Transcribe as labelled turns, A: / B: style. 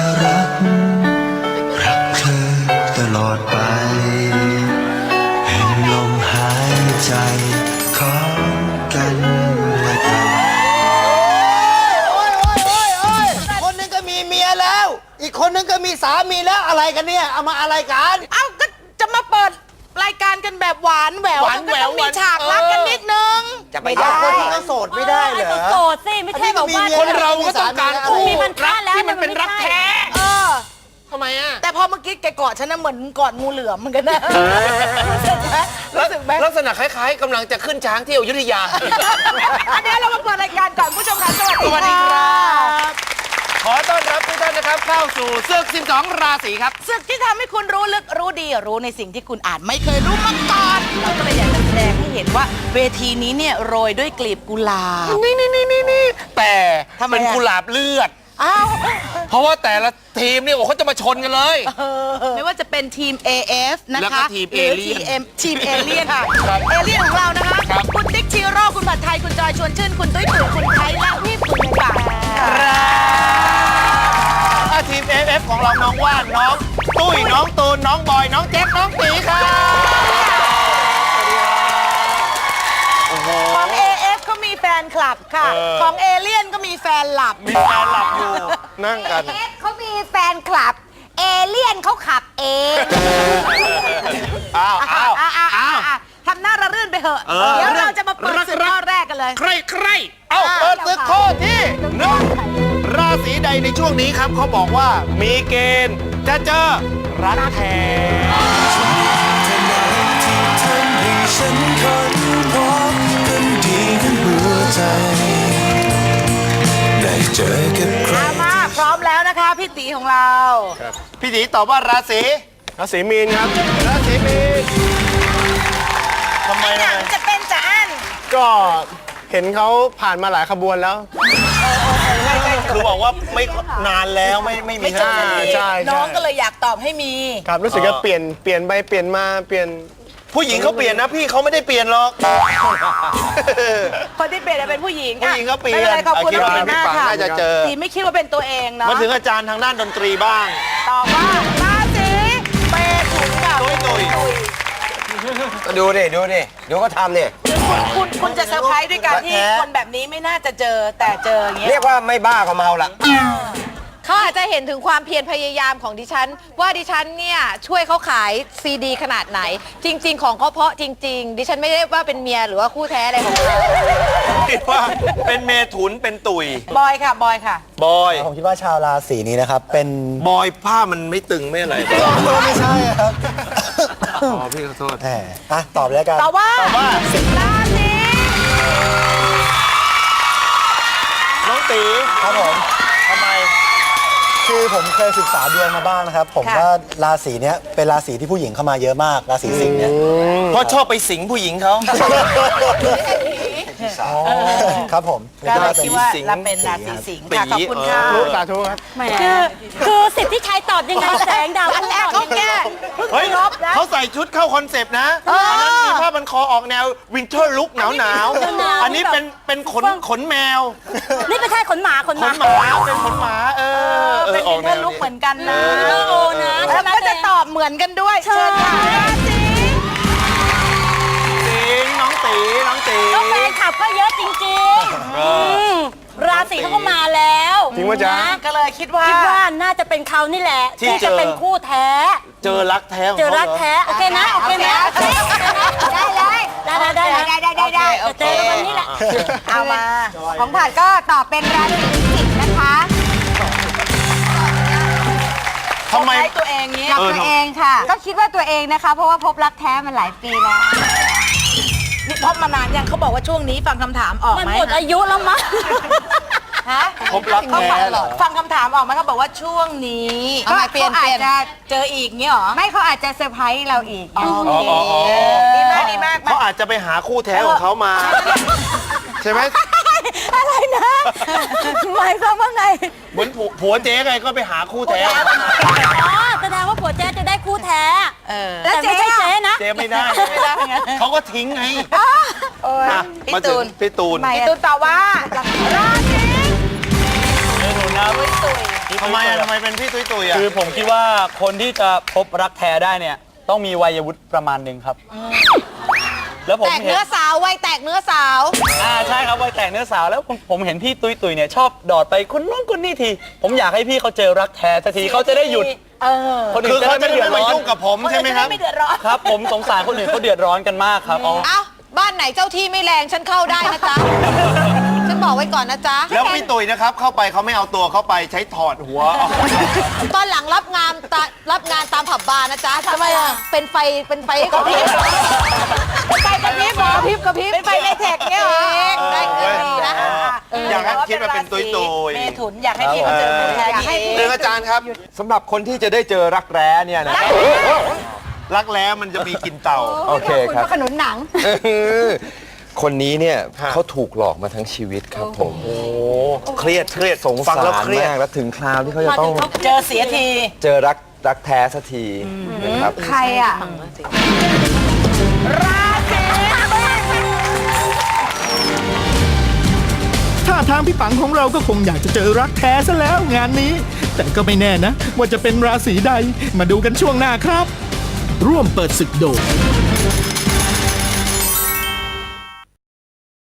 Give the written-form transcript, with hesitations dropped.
A: จะรักเธอตลอดไปเห็นลมหายใจของกันและกัน
B: คนนึงก็มีเมียแล้ว อีกคนนึงก็มีสามีแล้วอะไรกันเนี่ยเอามาอะไรกัน
C: เอ้าก็จะมาเปิดรายการกันแบบหวานแหววก็ต้องมีฉากรักกันนิดนึง
B: จะไปได้คนที่เขาโสดไม่ได้เหรอ
D: โสดสิไม่ใช่แบบว่า
E: คนเราก็ต้องการคู่
D: มีมันค่าแล้ว
E: ที่มันเป็นรักแท้
C: เออ
E: ทำไมอ่ะ
C: แต่พอเมื่อกี้แกกอดฉันนะเหมือนกอดงูเหลือมเหมือนกันนะรู้สึกไหม
E: ลักษณะคล้ายๆกำลังจะขึ้นช้างที่อยุธยา
C: อันนี้เรามาเปิดรายการก่อนผู้ชมค่ะสวัส
E: สวัสดี
C: ดี
E: ครั
C: ค่ะ
E: บ ขอต้อนรับทุกท่านนะครับเข้าสู่ศึก12 ราศีครับ
C: ศึกที่ทำให้คุณรู้ลึกรู้ดีรู้ในสิ่งที่คุณอาจไม่เคยรู้มาก่อนเราก็เลยอยากจะแสดงให้เห็นว่าเวทีนี้เนี่ยโรยด้วยกลีบกุหลาบ
E: นี่แต่
C: ทำไมอะ
E: เป็นกุหลาบเลือด
C: อ้าว
E: เพราะว่าแต่ละทีมเนี่ยโอ้เขาจะมาชนกันเลย
C: ไม่ว่าจะเป็นทีม AF นะ
E: แล้วก็
C: คะ
E: ทีม
C: หรือ
E: Alien
C: ทีมเอเลียนค่ะ
E: ครับ
C: เอเลียนของเรานะคะ
E: ครับ
C: คุณติ๊กชีโร่คุณผัดไทยคุณจอยชวนชื่นคุณตุ้ยตุ๋ยคุณไทยและพี่ตุ๋ยค่ะ
E: ทีม AF ของเราน้องว่านน้องตุ้ยน้องตูนน้องบอยน้องแจ็คน้องตีครับโอ้โห
C: ของ AF ก็มีแฟนคลับค่ะ ของเอเลียนก็มีแฟนหลับ
E: มีแฟนหลับอยู่นั่งกัน
D: เอฟเขามีแฟนคลับ เอเลี่ยนเขาขับเอง
E: อ้าวอ้าวอ้าว
C: ทำหน้าระรื่นไปเถอะ เดี๋ยวเราจะมาเปิดศึกข้อแรกกันเลย
E: ใครเอ้าเปิดศึกข้อที่หนึ่งราศีใดในช่วงนี้ครับเขาบอกว่ามีเกณฑ์จะเจอรักแท้
A: ทำให้ฉันค้นพบกันดีทั้งหัวใจ ได้เจอกับใคร
C: มาพร้อมแล้วนะคะพี่ตีของเรา
E: พี่ตีตอบว่าราศีมีนครับราศีมีนทำไม
C: หนังจะเป็นจะอั้น
F: ก็เห็นเขาผ่านมาหลายขบวนแล้ว
E: คือบอกว่าไม่นานแล้วไม่มี
C: ไม่จบสักที
F: ใช่
C: น้องก็เลยอยากตอบให้มี
F: ครับรู้สึกว่าเปลี่ยนไปเปลี่ยนมาเปลี่ยน
E: ผู้หญิงเขาเปลี่ยนนะพี่เขาไม่ได้เปลี่ยนหรอก
C: คนที่เปลี่ยนเป็นผู้หญิง
E: ผู้หญิงเขาเปลี่ยน
C: ไม่เป็นไรขอบคุณ
E: คิด
C: น้อง
E: ว่า
C: ตี
E: เป็น
C: มาก
E: พี่ปัง
C: ค่ะ
E: น่าจะเจอ
C: ตีไม่คิดว่าเป็นตัวเองเนาะ
E: มาถึงอาจารย์ทางด้านดนตรีบ้าง
C: ตอบว่าราศีเมถุนค่ะ
E: ตุ้ย
B: ดูดิดูก็ทำเนี่ย
C: คุณจะเซอร์ไพรส์ด้วยการที่
B: แท้
C: คนแบบนี้ไม่น่าจะเจอแต่เจออย่างเงี้ย
B: เรียกว่าไม่บ้าก็เมาละ
D: เขาอาจจะเห็นถึงความเพียรพยายามของดิฉัน ว่าดิฉันเนี่ยช่วยเขาขายซีดีขนาดไหน จริง ๆ ของเขาเพราะจริง ๆ ดิฉันไม่ได้ว่าเป็นเมียหรือว่าคู่แท้อะไรของเขา
E: คิดว่าเป็นเมถุนเป็นตุย
C: บอยค่ะบอยค่ะ
E: บอย
G: ผมคิดว่าชาวราศีนี้นะครับ เป็น
E: บอยผ้ามันไม่ตึงไม่อะไร
G: ไม่ใช่ครับ
E: อ๋อพี่ขอโทษ
G: แหมอ่ะตอบเลยแล้วกัน
C: ตอบว่าราศี
E: น้องตี
G: ครับผม
E: ทำไม
G: คือผมเคยศึกษาดวงมาบ้างนะครับ ผมว่าราศีเนี้ยเป็นราศีที่ผู้หญิงเข้ามาเยอะมาก ราศีสิงห์เนี่ย
E: เพราะชอบไปสิงผู้หญิงเขา
G: ครับผม
C: ก็เลยคิดว่า
E: สิงห์
C: เราเป็นราศีสิงห์ค่ะขอบคุณค่ะ
F: สาธุครับ
D: คือสิทธิชัยตอบยังไงแสงดาว
C: อันแรกเขาแก้เพิ่ง
E: เฮ้ย
C: ลบนะ
E: เขาใส่ชุดเข้าคอนเซปต์นะอันนั้นมีผ้าพันคอออกแนววินเทอร์ลุคหนาวอันนี้เป็นขนแมว
D: นี่ไม่ใช่ขนหมาขน
E: ข
D: ห
E: น
D: มา
E: หมาเป็นขนหมา
C: เป็น
E: ออก
C: เพื่อนลุกเหมือนกันนะ
D: โอ้นะ
C: แล้วก็จะตอบเหมือนกันด้วย เชิญค่ะราศี
E: สิงห์น้องตี
D: ก็แฟนคลับก็เยอะจริงๆราศีเขาก็มาแล้ว
F: จริงปะจ๊ะ
D: นะ
C: ก็เลยคิดว่า
D: คิดว่าน่าจะเป็นเขานี่แหละ ที่จะเป็นคู่แท้
E: เจอรักแท้ของ
D: เจอ
E: เขา
D: รัก
E: เหรอ
D: แท้โอเคนะโอเคนะ
C: ได้เลย
D: ได้เจอกันวันนี้แหละ
C: เอามา
D: ของผ่านก็ตอบเป็นราศีพิจิกนะคะ
E: ทำไม
C: ใช้ตัวเองเนี้ย
D: ตัวเองค่ะ ก็คิดว่าตัวเองนะคะ เพราะว่าพบรักแท้มาหลายปีแล้ว
C: นี่พบมานานยังเขาบอกว่าช่วงนี้ฟังคำถามออก
D: มัน
C: ไหม
D: หมดอายุแล้วมั้ง
C: ฮะ
E: พบรักแท้เหรอ
C: ฟังคำถามออกไหมเขาบอกว่าช่วงนี้
D: ทำไมเปลี่ยน
C: ขาอาจจะเจออีกเงี้ยหรอ
D: ไม่เขาอาจจะเซอร์ไพรส์เราอีก
C: โอเคดีมากดีมาก
E: เขาอาจจะไปหาคู่แท้ของเขามา ใช่ไหม
D: อะไรนะหมายความว่าไง
E: เหมือนผัวเจ๊ไงก็ไปหาคู่แท้
D: อ๋อแสดงว่าผัวเจ๊จะได้คู่แท้
C: แล้ว
D: แต่ไม่ใช่เจ๊นะ
E: เจ๊ไม่ได้เขาก็ทิ้งไง
C: พี่ตูน
E: พี่ตูน
C: พี่ตูนตอบว่าราศี
E: เมถุนครับ
C: ตุ้ย
E: ทำไมอะทำไมเป็นพี่ตุ้ยตุ้ยอะ
H: คือผมคิดว่าคนที่จะพบรักแท้ได้เนี่ยต้องมีวัยวุฒิประมาณหนึ่งครับ แล้วผม
D: แตก
H: เห็น
D: เนื้อสาววัยแตกเนื้อสาว
H: ใช่ครับวัยแตกเนื้อสาวแล้วผมเห็นพี่ตุ้ยตุ้ยเนี่ยชอบดอดไปคนนู้นคนนี้ที ผมอยากให้พี่เขาเจอรักแท้สักทีเขาจะได้หยุดคนอื่
E: คือน
H: จะ
E: เขา
H: ได้
E: จะ
H: ไม่เดือด
E: ไม่
H: ร้
E: มา
H: อน
E: ยุ่งกับผมใช่ไหมครับ
C: ไม่เดือดร้อน
H: ครับ ผมสงสารคนอื่นเขาเดือดร้อนกันมากครับ
D: เอ้า บ้านไหนเจ้าที่ไม่แรงฉันเข้าได้นะจ๊ะ ฉันบอกไว้ก่อนนะจ๊ะ
E: แล้วพี่ตุ้ยนะครับเข้าไปเขาไม่เอาตัวเข้าไปใช้ถอดหัวออก
D: ตอนหลังรับงานตามผับบาร์นะจ๊ะทำไมอ่ะ เป็นไฟกระพริบไฟกระพริบเหรอกระพริบเป็นไฟในแท็กเนี่ยเหรอได้เงินดีนะ
E: อยากให้คิดว่าเป็นตุ้ยตุ้ย
C: เมถุนอยากให้พี่เขาเจอคนแท้
D: อยากให้
E: หนึ่งอาจารย์ครับ
I: สำหรับคนที่จะได้เจอรักแร้เนี่ยนะ
E: รักแร้มันจะมีกลินเต่า
I: โอเคครับ
D: ขนุนหนัง
I: คนนี้เนี่ย
E: ฮะ
I: เขาถูกหลอกมาทั้งชีวิตครับผม
E: เครียด
I: สง
E: ฟั
I: สาง
E: แล้ว
I: ร
E: เครียด
I: มากแล้วถึงคราวที่เขาจะต้อง
C: เจอเสียที
I: เจอรักแท้สักทีนะครับ
D: ใครอ่ะ
J: ท่าทางพี่ปังของเราก็คงอยากจะเจอรักแท้ซะแล้วงานนี้ แต่ก็ไม่แน่นะ ว่าจะเป็นราศีใดมาดูกันช่วงหน้าครับ ร่วมเปิดศึกโดย